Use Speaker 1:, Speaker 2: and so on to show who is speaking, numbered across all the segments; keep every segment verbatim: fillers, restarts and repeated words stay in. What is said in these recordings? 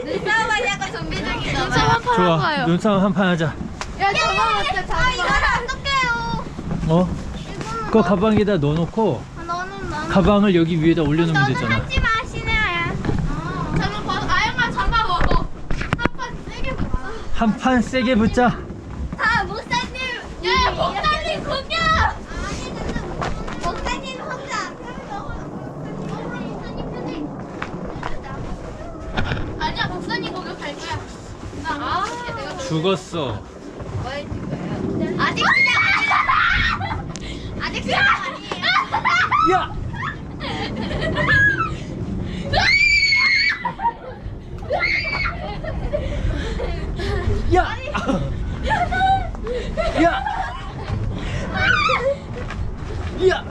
Speaker 1: 눈싸움 하려고 준비 중이잖아.
Speaker 2: 눈싸움 한판
Speaker 3: 좋아.
Speaker 2: 하고요.
Speaker 3: 눈싸움 한 판 하자.
Speaker 2: 야 저거 어때?
Speaker 1: 아 이거는 어떡해요?
Speaker 3: 어? 그거 가방에다 넣어놓고
Speaker 1: 아, 너는 너는.
Speaker 3: 가방을 여기 위에다 올려놓으면
Speaker 1: 너는
Speaker 3: 되잖아.
Speaker 1: 하지 마 신혜야.
Speaker 2: 저는 봐. 아영아 잡아 먹어. 한판 세게 봐.
Speaker 3: 한 판 세게 붙자.
Speaker 1: 다 목사님.
Speaker 2: 야 목사님 공격!
Speaker 1: 아니 근데 목사님 혼자 안 그래서 목사님 편에.
Speaker 2: 아니야 목사님 공격할 거야. 나 아, 내가
Speaker 3: 죽었어.
Speaker 1: 아직 시작 아니야. 아직 시작 아니에요.
Speaker 3: 야! 야! 야! 야!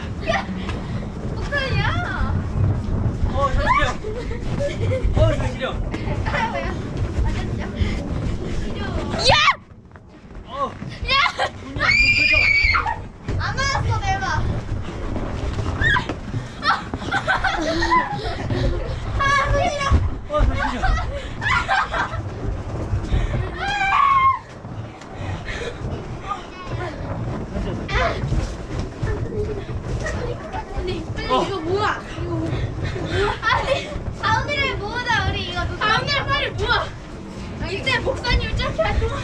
Speaker 1: 목사님이야.
Speaker 3: 어, 잠시만. 어, 잠시만.
Speaker 1: 아이고야. 맞았죠?
Speaker 2: 야!
Speaker 3: 어,
Speaker 2: 야!
Speaker 3: 문이 안 뭉쳐져.
Speaker 1: 안 맞았어 대박. 아 소리야.
Speaker 3: 어, 잠시만. 어.
Speaker 2: 이거 뭐야? 이거 뭐?
Speaker 1: 아니 가운데를 모으자 우리 이거 누가
Speaker 2: 가운데 빨리 모아. 이때 목사님 저렇게 할 동안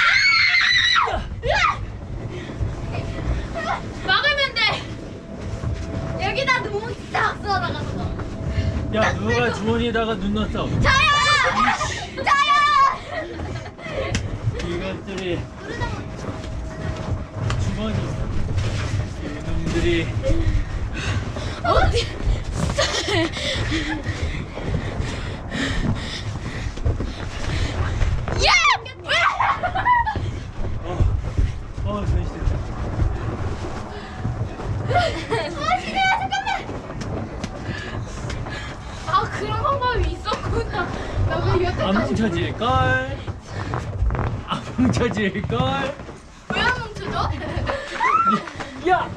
Speaker 2: 막으면 돼.
Speaker 1: 여기다 눈 딱 쏘아나가서
Speaker 3: 야, 누가 주머니에다가 눈 넣었어?
Speaker 1: 저요! 저요!
Speaker 3: 이것들이 주머니 이놈들이
Speaker 2: 어디? 야!
Speaker 3: 어, 어, 전시됐다.
Speaker 1: 아 신혜야 잠깐만!
Speaker 2: 아 그런 방법이 있었구나. 나왜 여태
Speaker 3: 안 뭉쳐질걸? 안 뭉쳐질걸?
Speaker 2: 왜 안 뭉쳐져?
Speaker 3: 야!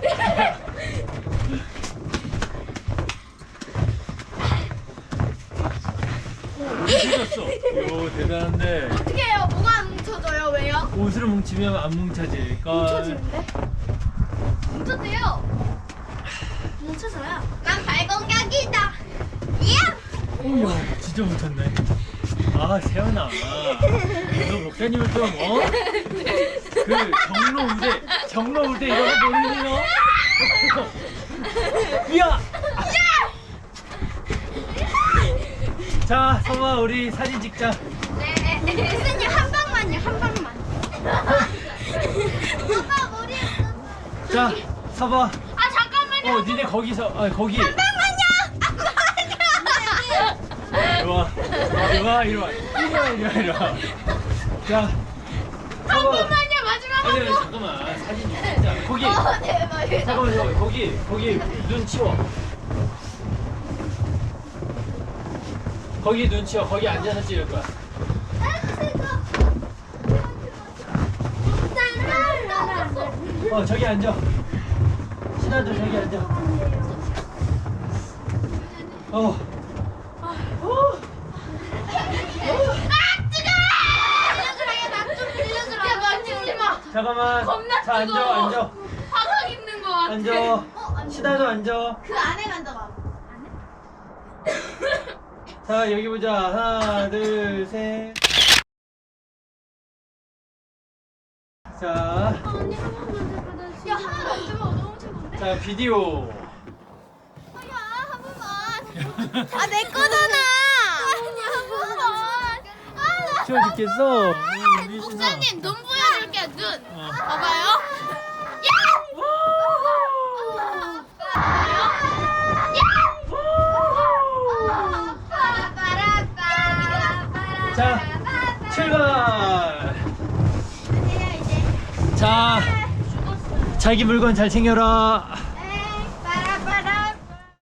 Speaker 3: 뭉쳐졌어. 오, 대단한데.
Speaker 2: 어떻게 해요? 뭐가 안 뭉쳐져요? 왜요?
Speaker 3: 옷으로 뭉치면 안 뭉쳐질걸?
Speaker 2: 뭉쳐지는데? 뭉쳐져요. 뭉쳐져요.
Speaker 1: 난 발공격이다. 야!
Speaker 3: 어머, 진짜 뭉쳤네. 아, 세연아. 너 목사님을 좀, 어? 그, 경로 우대, 경로 우대 이런 거 모르니, 너? 야! 자, 성아, 우리 사진 찍자.
Speaker 1: 네. 선생님 한 방만요 한 방만. 오빠 머리에 묻었어.
Speaker 3: 자, 서봐.
Speaker 2: 아 잠깐만요.
Speaker 3: 어, 니네 거기서, 아, 거기.
Speaker 1: 한 방만요.
Speaker 3: 이리 와. 이리 와, 이리 와. 이리 와, 이리 와, 이리 와. 자, 서봐.
Speaker 2: 잠깐만요. 마지막
Speaker 3: 아니,
Speaker 2: 한
Speaker 3: 아니,
Speaker 2: 번.
Speaker 3: 잠깐만. 사진 좀 찍자. 거기.
Speaker 1: 어 대박.
Speaker 3: 잠깐만, 잠깐만. 거기, 거기 눈 치워. 거기 눈 치워. 거기 앉아서 찍을 거야. 어, 저기 앉아. 신하도 저기 앉아. 어. 어.
Speaker 2: 야 만지지 마.
Speaker 3: 잠깐만.
Speaker 2: 겁나
Speaker 3: 자, 앉아,
Speaker 2: 뜨거워.
Speaker 3: 앉아.
Speaker 2: 화상 입는 거 같아.
Speaker 3: 앉아. 신하도 앉아.
Speaker 1: 그 안에 만져봐.
Speaker 3: 자, 여기 보자. 하나, 둘, 셋. 자,
Speaker 2: 언니 한 번만 더. 야 하나 만져봐. 너무 최고인데?
Speaker 3: 자, 비디오.
Speaker 1: 아야 한 번만. 아 내 거잖아. 아니 한 번만. 아
Speaker 3: 추워 죽겠어. 응, 우리 신하.
Speaker 2: 목사님 눈 보여줄게 눈.
Speaker 3: 어.
Speaker 2: 봐봐요.
Speaker 3: 자, 출발. 자, 자기 물건 잘 챙겨라.